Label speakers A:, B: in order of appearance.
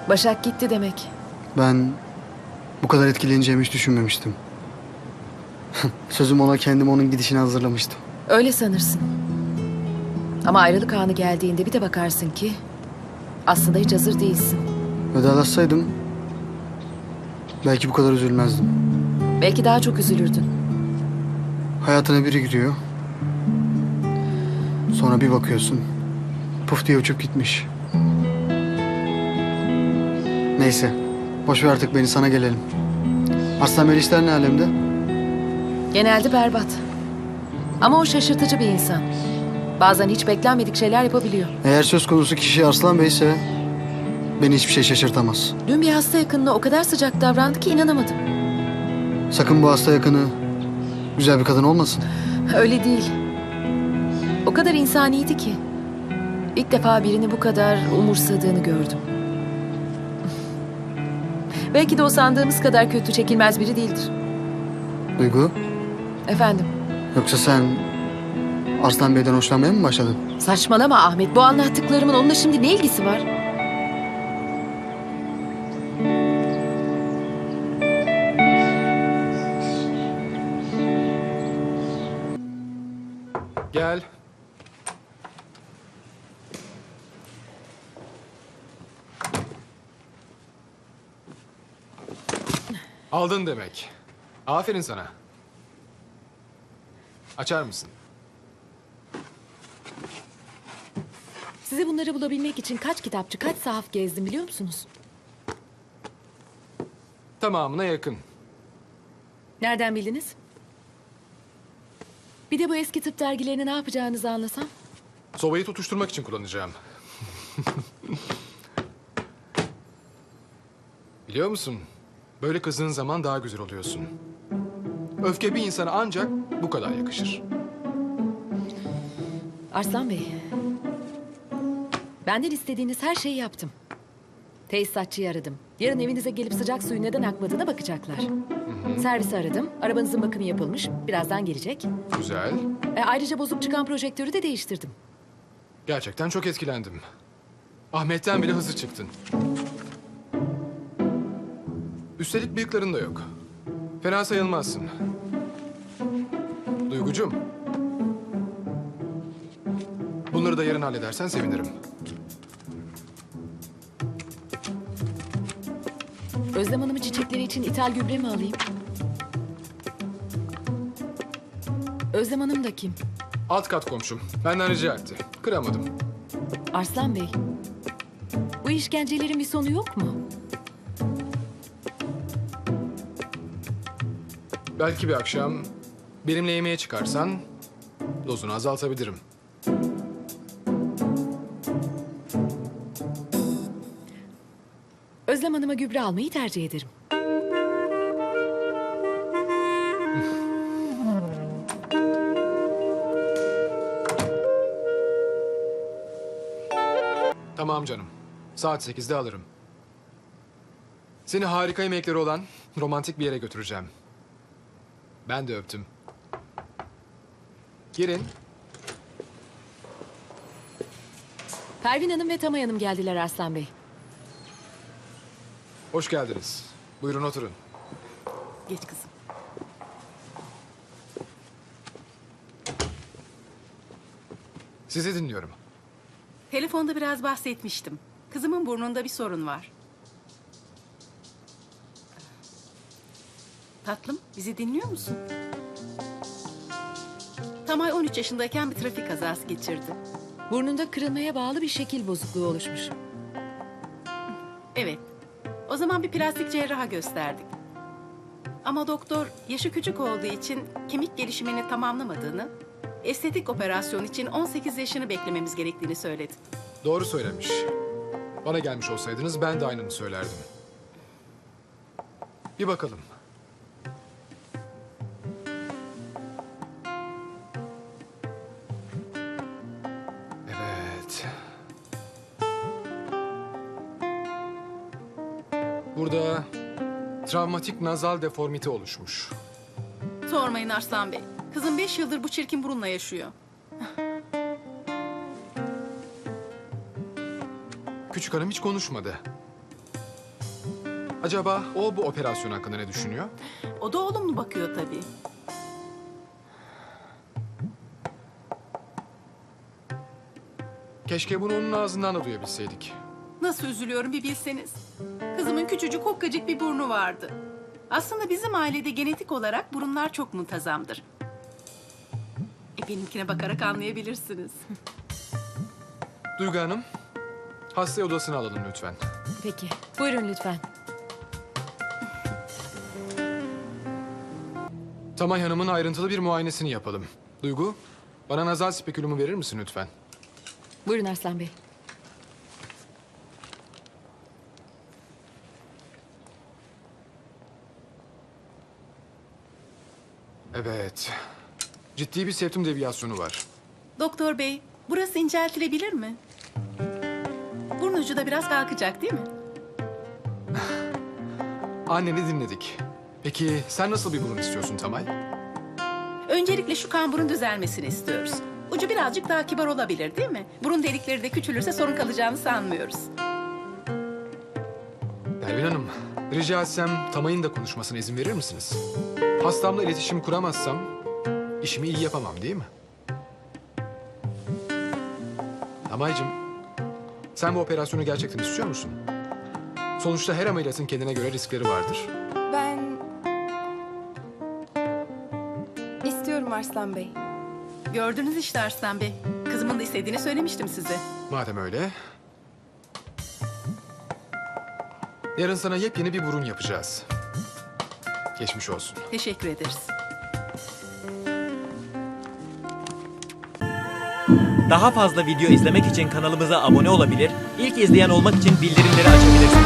A: Başak gitti demek.
B: Ben bu kadar etkileneceğimi hiç düşünmemiştim. Sözüm ona kendim onun gidişini hazırlamıştım.
A: Öyle sanırsın. Ama ayrılık anı geldiğinde bir de bakarsın ki aslında hiç hazır değilsin.
B: Vedalaşsaydım belki bu kadar üzülmezdim.
A: Belki daha çok üzülürdün.
B: Hayatına biri giriyor. Sonra bir bakıyorsun. Puf diye uçup gitmiş. Neyse. Boş ver artık beni, sana gelelim. Arslan Bey işler ne alemde?
A: Genelde berbat. Ama o şaşırtıcı bir insan. Bazen hiç beklenmedik şeyler yapabiliyor.
B: Eğer söz konusu kişi Arslan Bey ise beni hiçbir şey şaşırtamaz.
A: Dün bir hasta yakınına o kadar sıcak davrandı ki inanamadım.
B: Sakın bu hasta yakını güzel bir kadın olmasın.
A: Öyle değil. O kadar insaniydi ki. İlk defa birini bu kadar umursadığını gördüm. Belki de o sandığımız kadar kötü, çekilmez biri değildir.
B: Duygu,
A: Efendim?
B: yoksa sen Arslan Bey'den hoşlanmaya mı başladın?
A: Saçmalama Ahmet. Bu anlattıklarımın onunla şimdi ne ilgisi var?
C: Gel. Aldın demek. Aferin sana. Açar mısın?
A: Size bunları bulabilmek için kaç kitapçı, kaç sahaf gezdim biliyor musunuz?
C: Tamamına yakın.
A: Nereden bildiniz? Bir de bu eski tıp dergilerini ne yapacağınızı anlasam.
C: Sobayı tutuşturmak için kullanacağım. Biliyor musun? Böyle kızdığın zaman daha güzel oluyorsun. Öfke bir insana ancak bu kadar yakışır.
A: Arslan Bey. Benden istediğiniz her şeyi yaptım. Tesisatçıyı aradım. Yarın evinize gelip sıcak suyun neden akmadığına bakacaklar. Servisi aradım. Arabanızın bakımı yapılmış. Birazdan gelecek.
C: Güzel.
A: Ayrıca bozuk çıkan projektörü de değiştirdim.
C: Gerçekten çok etkilendim. Ahmet'ten bile hızlı çıktın. Üstelik bıyıkların da yok. Fena sayılmazsın. Duygucum. Bunları da yarın halledersen sevinirim.
A: Özlem Hanım'ın çiçekleri için ithal gübre mi alayım? Özlem Hanım da kim?
C: Alt kat komşum. Benden rica etti. Kıramadım.
A: Arslan Bey. Bu işkencelerin bir sonu yok mu?
C: Belki bir akşam benimle yemeğe çıkarsan dozunu azaltabilirim.
A: Özlem Hanım'a gübre almayı tercih ederim.
C: Tamam canım. Saat 8'de alırım. Seni harika yemekleri olan romantik bir yere götüreceğim. Ben de öptüm. Girin.
A: Pervin Hanım ve Tamay Hanım geldiler Arslan Bey.
C: Hoş geldiniz. Buyurun oturun.
A: Geç kızım.
C: Sizi dinliyorum.
D: Telefonda biraz bahsetmiştim. Kızımın burnunda bir sorun var. Tatlım, bizi dinliyor musun? Tamay 13 yaşındayken bir trafik kazası geçirdi.
A: Burnunda kırılmaya bağlı bir şekil bozukluğu oluşmuş.
D: Evet. O zaman bir plastik cerraha gösterdik. Ama doktor yaşı küçük olduğu için kemik gelişimini tamamlamadığını, estetik operasyon için 18 yaşını beklememiz gerektiğini söyledi.
C: Doğru söylemiş. Bana gelmiş olsaydınız ben de aynını söylerdim. Bir bakalım. Evet. Burada travmatik nazal deformite oluşmuş.
D: Sormayın Arslan Bey. Kızım 5 yıldır bu çirkin burunla yaşıyor.
C: Küçük hanım hiç konuşmadı. Acaba o bu operasyon hakkında ne düşünüyor?
D: O da olumlu bakıyor tabii.
C: Keşke bunu onun ağzından da duyabilseydik.
D: Nasıl üzülüyorum bir bilseniz. Kızımın küçücük hokkacık bir burnu vardı. Aslında bizim ailede genetik olarak burunlar çok muntazamdır. Benimkine bakarak anlayabilirsiniz.
C: Duygu Hanım, hastayı odasına alalım lütfen.
A: Peki. Buyurun lütfen.
C: Tamay Hanım'ın ayrıntılı bir muayenesini yapalım. Duygu, bana nazal spekülümü verir misin lütfen?
A: Buyurun Arslan Bey.
C: Evet. Ciddi bir septum deviyasyonu var.
D: Doktor bey, burası inceltilebilir mi? Burun ucu da biraz kalkacak değil mi?
C: Anneni dinledik. Peki sen nasıl bir burun istiyorsun Tamay?
D: Öncelikle şu kamburun düzelmesini istiyoruz. Ucu birazcık daha kibar olabilir değil mi? Burun delikleri de küçülürse sorun kalacağını sanmıyoruz.
C: Pervin Hanım, rica etsem Tamay'ın da konuşmasına izin verir misiniz? Hastamla iletişim kuramazsam işimi iyi yapamam değil mi? Tamay'cığım, sen bu operasyonu gerçekten istiyor musun? Sonuçta her ameliyatın kendine göre riskleri vardır.
E: Ben istiyorum Arslan Bey.
D: Gördünüz işte Arslan Bey. Kızımın da istediğini söylemiştim size.
C: Madem öyle... Yarın sana yepyeni bir burun yapacağız. Geçmiş olsun.
D: Teşekkür ederiz.
F: Daha fazla video izlemek için kanalımıza abone olabilir, ilk izleyen olmak için bildirimleri açabilirsiniz.